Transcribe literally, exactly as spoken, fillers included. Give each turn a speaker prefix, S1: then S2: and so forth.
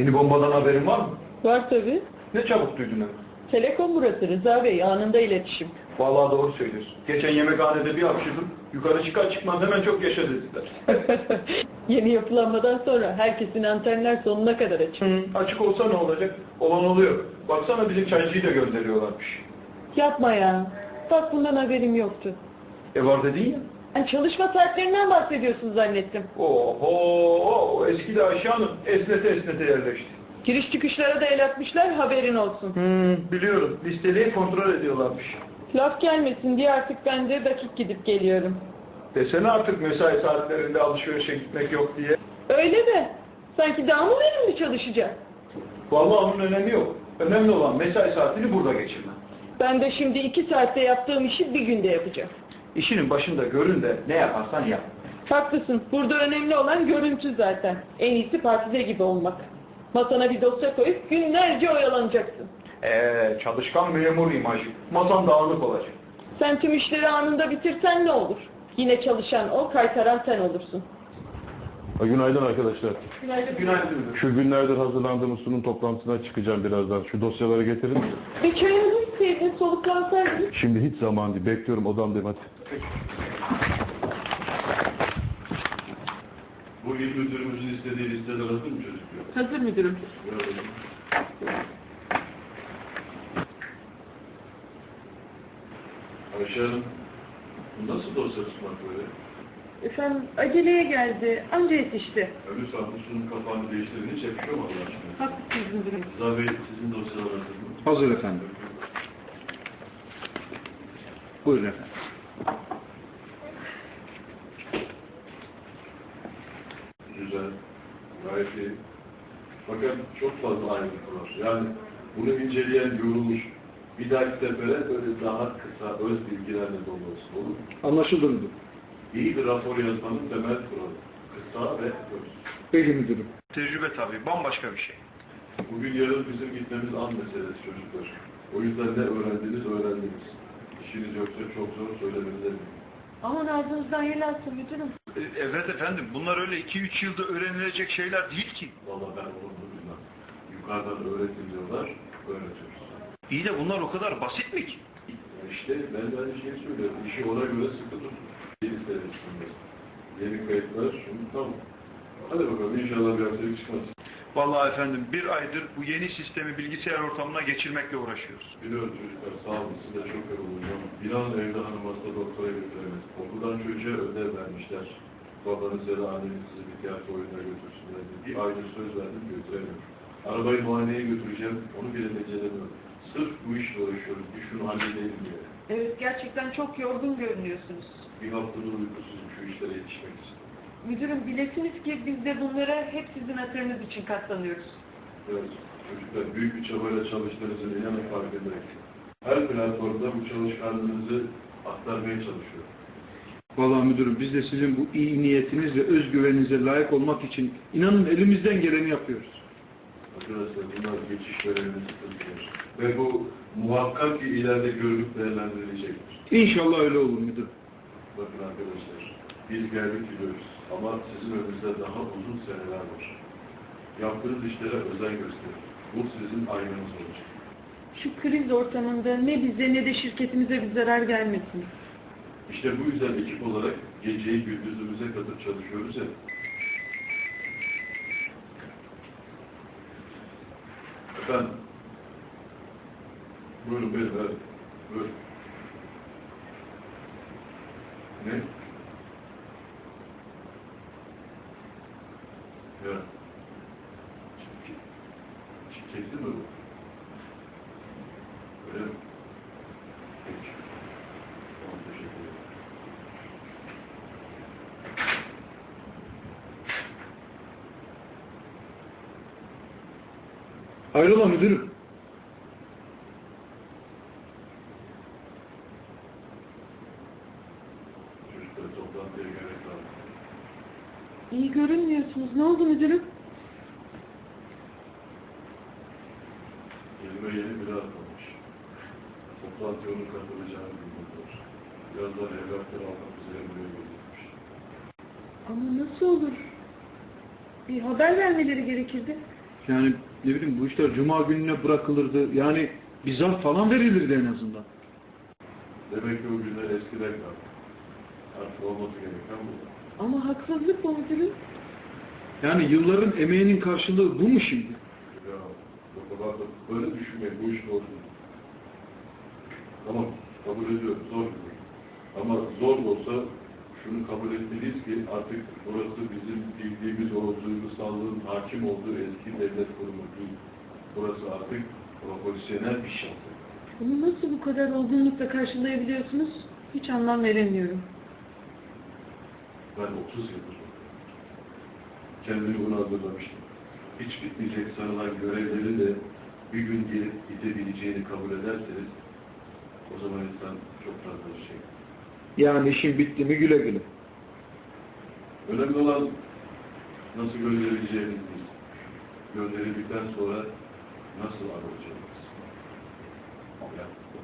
S1: Yeni bombadan haberin var mı?
S2: Var tabii.
S1: Ne çabuk duydun hemen.
S2: Telekom burası Rıza Bey, anında iletişim.
S1: Vallahi doğru söylüyorsun. Geçen yemekhanede bir hapşırdım. Yukarı çıkar çıkmaz hemen çok yaşa dediler.
S2: Yeni yapılanmadan sonra herkesin antenler sonuna kadar açık.
S1: Hı, açık olsa ne olacak? Olan oluyor. Baksana bizim çaycıyı da gönderiyorlarmış.
S2: Yapma ya. Bak bundan haberim yoktu.
S1: E var dedin ya.
S2: Ben çalışma saatlerinden bahsediyorsun zannettim.
S1: Oho, eski de Ayşe Hanım esnete esnete yerleşti.
S2: Giriş çıkışlara da el atmışlar, haberin olsun.
S1: Hmm, biliyorum. Listeliği kontrol ediyorlarmış.
S2: Laf gelmesin diye artık ben de dakik gidip geliyorum.
S1: Desene artık mesai saatlerinde alışverişe gitmek yok diye.
S2: Öyle de. Sanki daha mı verimli çalışacak?
S1: Vallahi onun önemi yok. Önemli olan mesai saatini burada geçirmen.
S2: Ben de şimdi iki saatte yaptığım işi bir günde yapacağım.
S1: İşinin başında görün de ne yaparsan yap.
S2: Haklısın. Burada önemli olan görüntü zaten. En iyisi partide gibi olmak. Masana bir dosya koyup günlerce oyalanacaksın.
S1: Eee çalışkan memur imajı. Masan dağınık olacak.
S2: Sen tüm işleri anında bitirsen ne olur? Yine çalışan o, kaytaran sen olursun.
S3: Ha, Günaydın arkadaşlar.
S2: Günaydın.
S1: Günaydın müdür.
S3: Şu günlerdir hazırlandığımız sunum toplantısına çıkacağım birazdan. Şu dosyaları getirin.
S2: Bir çayınızı içseydin, soluklansaydın.
S3: Şimdi hiç zaman değil. Bekliyorum odamdayım hadi.
S4: Bu il müdürümüzün istediği listeler hazır mı çocuklar?
S2: Hazır müdürüm.
S4: Görelim. Ayşe Hanım, bu nasıl dosya tutmak böyle?
S2: Efendim aceleye geldi, anca yetişti.
S4: Öbür saatte sunum kapağını değiştirin, hiç yakışıyor mu Allah aşkına?
S2: Haklısınız müdürüm.
S4: Rıza Bey, sizin dosyalar hazır mı?
S1: Hazır efendim. Buyurun efendim.
S4: Güzel, gayet iyi. Fakat çok fazla ayrıntı var. Yani bunu inceleyen, yorulmuş, bir dahaki sefere böyle daha kısa, öz bilgilerle dolu olsun, olur mu?
S1: Anlaşıldı müdür.
S4: İyi bir rapor yazmanın temel kuralı. Kısa ve öz.
S1: Peki müdürüm. Tecrübe tabii, bambaşka bir şey.
S4: Bugün yarın bizim gitmemiz an meselesi çocuklar. O yüzden ne öğrendiniz öğrendiniz. İşiniz yoksa çok zor söylemenize eminim.
S2: Aman ağzınızdan yel alsın müdürüm.
S1: E, Evet efendim, bunlar öyle iki üç yılda öğrenilecek şeyler değil ki.
S4: Vallahi ben onu bilmem. Yukarıdan öğretin diyorlar, öğretiyoruz.
S1: İyi de bunlar o kadar basit mi ki?
S4: Ya İşte ben de aynı şeyi söylüyorum. İşi ona göre sıkı tutun. Yeni istedim şimdi. Yeni kayıtlar, şunu tamam. Hadi bakalım inşallah bir aksilik çıkmaz.
S1: Vallahi efendim bir aydır bu yeni sistemi bilgisayar ortamına geçirmekle uğraşıyoruz.
S4: Biliyorum çocuklar sağ olun size çok yorulacağım. Bilal evde hanım hasta doktora götüremez. Okuldan çocuğa ödev vermişler. Babanız ya da anneniz sizi bir tiyatro oyununa götürsünler diye. Bir aydır söz verdim götüremiyorum. Arabayı muayeneye götüreceğim, onu bile beceremiyorum. Sırf bu işle uğraşıyorum, bir şunu halledelim diye.
S2: Evet, gerçekten çok yorgun görünüyorsunuz.
S4: Bir haftadır uykusuzum şu işlere yetişmek için.
S2: Müdürüm bilesiniz ki biz de bunlara hep sizin hatırınız için katlanıyoruz.
S4: Evet, çocuklar büyük bir çabayla çalıştığınızı inanın farkındayım. Her platformda bu çalışkanlığınızı aktarmaya çalışıyorum.
S5: Vallahi müdürüm biz de sizin bu iyi niyetiniz ve özgüveninize layık olmak için inanın elimizden geleni yapıyoruz.
S4: Arkadaşlar bunlar geçiş dönemi sıkıntılar. Ve bu muhakkak ki ileride görülüp değerlendirilecektir.
S5: İnşallah öyle olur müdürüm.
S4: Bakın arkadaşlar, biz geldik gidiyoruz ama sizin önünüzde daha uzun seneler var. Yaptığınız işlere özen gösterin. Bu sizin aynanız olacak.
S2: Şu kriz ortamında ne bize ne de şirketimize bir zarar gelmesin.
S4: İşte bu yüzden ekip olarak geceyi gündüzümüze katıp çalışıyoruz ya. Efendim. Buyurun buyurun hadi. Buyurun. Ne? Ya. Şirketli mi bu? Öyle mi? Peki. Tamam, teşekkür ederim.
S5: Hayrola müdürüm?
S4: Çocuklar toplantıya gerek var.
S2: İyi görünmüyorsunuz. Ne oldu müdürüm?
S4: Elime yeni biri atmamış. Toplantıya onun katılacağını bilmiyorlar. Birazdan evrakları almak üzere buraya gelecekmiş.
S2: Ama nasıl olur? Bir haber vermeleri gerekirdi.
S5: Yani ne bileyim bu işler cuma gününe bırakılırdı. Yani bir zarf falan verilirdi en azından.
S4: Demek ki o günler eskiden kaldı. Artık olması gereken bu.
S2: Ama haksızlık bu müdürüm.
S5: Yani yılların emeğinin karşılığı bu mu şimdi?
S4: Ya o kadar da böyle düşünmeyin. Bu iş zor değil. Tamam, kabul ediyorum. Zor değil. Ama zor olsa şunu kabul etmeliyiz ki artık burası bizim bildiğimiz o duygusallığın hakim olduğu eski devlet kurumu değil. Burası artık profesyonel bir şey.
S2: Bunu nasıl bu kadar olgunlukla karşılayabiliyorsunuz? Hiç anlam veremiyorum.
S4: Ben otuz yıldır kendimi buna hazırlamıştım. Hiç bitmeyecek sanılan görevleri de bir gün gelip gidebileceğini kabul ederseniz o zaman insan çok fazla şey.
S5: Yani işin bitti mi güle güle.
S4: Önemli olan nasıl gönderileceğimiz değil. Gönderildikten sonra nasıl alacağımız. Yani